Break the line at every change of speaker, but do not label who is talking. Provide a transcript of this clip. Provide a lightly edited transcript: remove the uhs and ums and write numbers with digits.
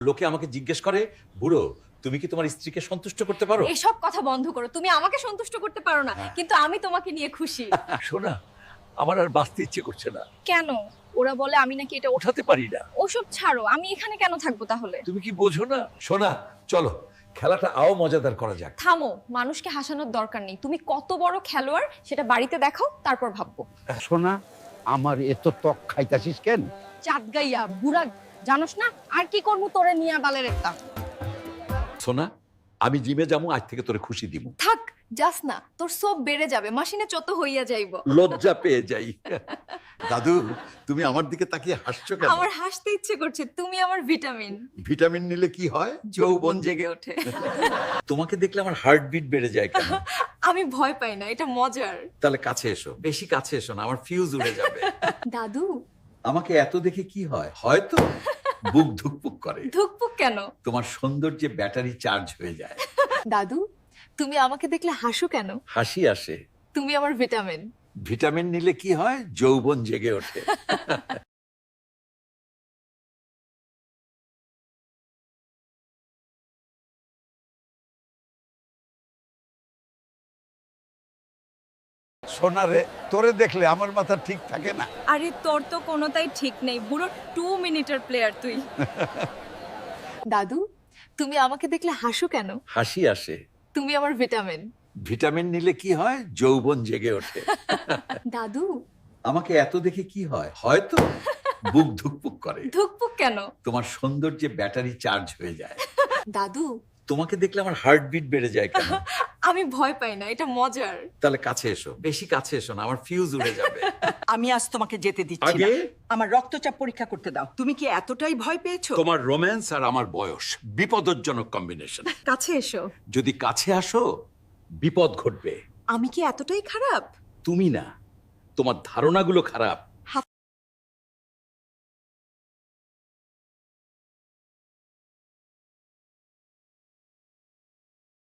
লোকে আমাকে জিজ্ঞেস করে, বুড়ো তুমি কি তোমার স্ত্রীকে সন্তুষ্ট করতে পারো?
এসব কথা বন্ধ করো। তুমি আমাকে সন্তুষ্ট করতে পারো না, কিন্তু আমি তোমাকে নিয়ে খুশি।
শোনা, আমার আর বাঁচতে ইচ্ছে করছে না,
কেন? ওরা বলে আমি নাকি এটা
ওঠাতে পারি না।
ওসব ছাড়ো, আমি এখানে কেন থাকবো তাহলে?
তুমি কি বোঝো না?
শোনা, চলো খেলাটা আও মজাদার করা যাক।
থামো, মানুষকে হাসানোর দরকার নেই। তুমি কত বড় খেলোয়াড় সেটা বাড়িতে দেখাও, তারপর ভাববো।
শোনা, আমার এত ত্বক খাইতাছিস কেন?
চাঁদ গাইয়া বুড়া, জানোস না আর কি করবো তোরে নিয়া বালের একটা।
সোনা, আমি জিমে যাবো, আজ থেকে তোরে খুশি দিব।
থাক, যাস না, তোর সব বেড়ে যাবে, মাসিনে চত হইয়া যাইব।
লজ্জা পেয়ে যাই। দাদু, তুমি আমার দিকে তাকিয়ে হাসছো কেন?
আমার হাসতে ইচ্ছে করছে, তুমি আমার ভিটামিন।
ভিটামিন নিলে কি হয়? যৌবন জেগে ওঠে। তোমাকে দেখলে আমার হার্টবিট বেড়ে যায় কেন?
আমি ভয় পাই না, এটা মজার।
তাহলে কাছে এসো, বেশি কাছে এসো না, আমার ফিউজ উড়ে যাবে।
দাদু,
আমাকে এত দেখে কি হয়? হয়তো বুক ধুকপুক করে।
ধুকপুক কেন?
তোমার সৌন্দর্যে ব্যাটারি চার্জ হয়ে যায়।
দাদু, তুমি আমাকে দেখলে হাসো কেন?
হাসি আসে।
তুমি আমার ভিটামিন।
ভিটামিন নিলে কি হয়? যৌবন জেগে ওঠে।
সোনা রে, তোরে দেখলে আমার মাথা ঠিক থাকে না।
আরে তোর তো কোনোটাই ঠিক নেই, বুড়ো 2 মিনিটের প্লেয়ার তুই। দাদু, তুমি আমাকে দেখলে হাসো কেন?
হাসি আসে।
তুমি আমার ভিটামিন।
ভিটামিন নিলে কি হয়? যৌবন জেগে ওঠে।
দাদু,
আমাকে এত দেখে কি হয়? হয়তো বুক ধুকপুক করে।
ধুকপুক কেন?
তোমার সৌন্দর্যে ব্যাটারি চার্জ হয়ে যায়।
দাদু,
তোমাকে দেখলে আমার হার্টবিট বেড়ে যায় কেন?
আমি ভয় পাই না, এটা মজার।
তাহলে কাছে এসো, বেশি কাছে এসো না, আমার ফিউজ উড়ে যাবে।
আমি আজ তোমাকে যেতে দিচ্ছি না।
আগে?
আমার রক্তচাপ পরীক্ষা করতে দাও। তুমি কি এতটাই ভয় পেয়েছো?
তোমার রোম্যান্স আর আমার বয়স বিপদজনক কম্বিনেশন।
কাছে এসো।
যদি কাছে আসো, বিপদ ঘটবে।
আমি কি এতটাই খারাপ?
তুমি না, তোমার ধারণাগুলো খারাপ।